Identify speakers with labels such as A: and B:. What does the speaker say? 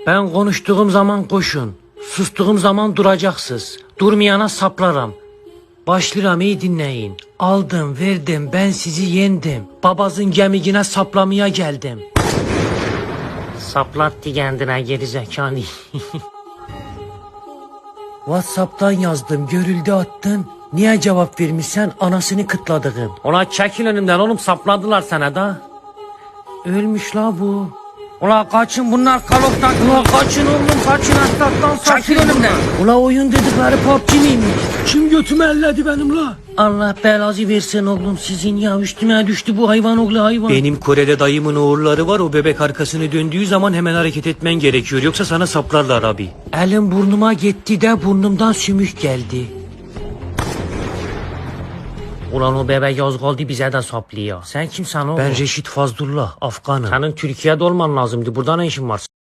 A: Ben konuştuğum zaman koşun. Sustuğum zaman duracaksınız. Durmayana saplaram. Başlıram, iyi dinleyin. Aldım verdim, ben sizi yendim. Babazın gemigine saplamaya geldim. Saplattı kendine gerizekalı. WhatsApp'tan yazdım, görüldü attın. Niye cevap vermişsen anasını kıtladığım. Ulan çekil önümden oğlum, sapladılar sana da. Ölmüş la bu. Ulan kaçın, bunlar kaloktan. Ulan kaçın oğlum, kaçın, aslattan saçın. Çekil önümden. Ulan oyun dedikleri PUBG miymiş? Kim götümü elledi benim la? Allah belanızı versin oğlum sizin ya, üstüme düştü bu hayvan oğlu hayvan. Benim Kore'de dayımın oğulları var, o bebek arkasını döndüğü zaman hemen hareket etmen gerekiyor, yoksa sana saplarlar abi. Elim burnuma gitti de burnumdan sümük geldi. Ulan o bebek yaz kaldı, bize de saplıyor. Sen kimsen oğlum? Ben Reşit Fazlullah, Afganım. Senin Türkiye'de olman lazımdı, burada ne işin var?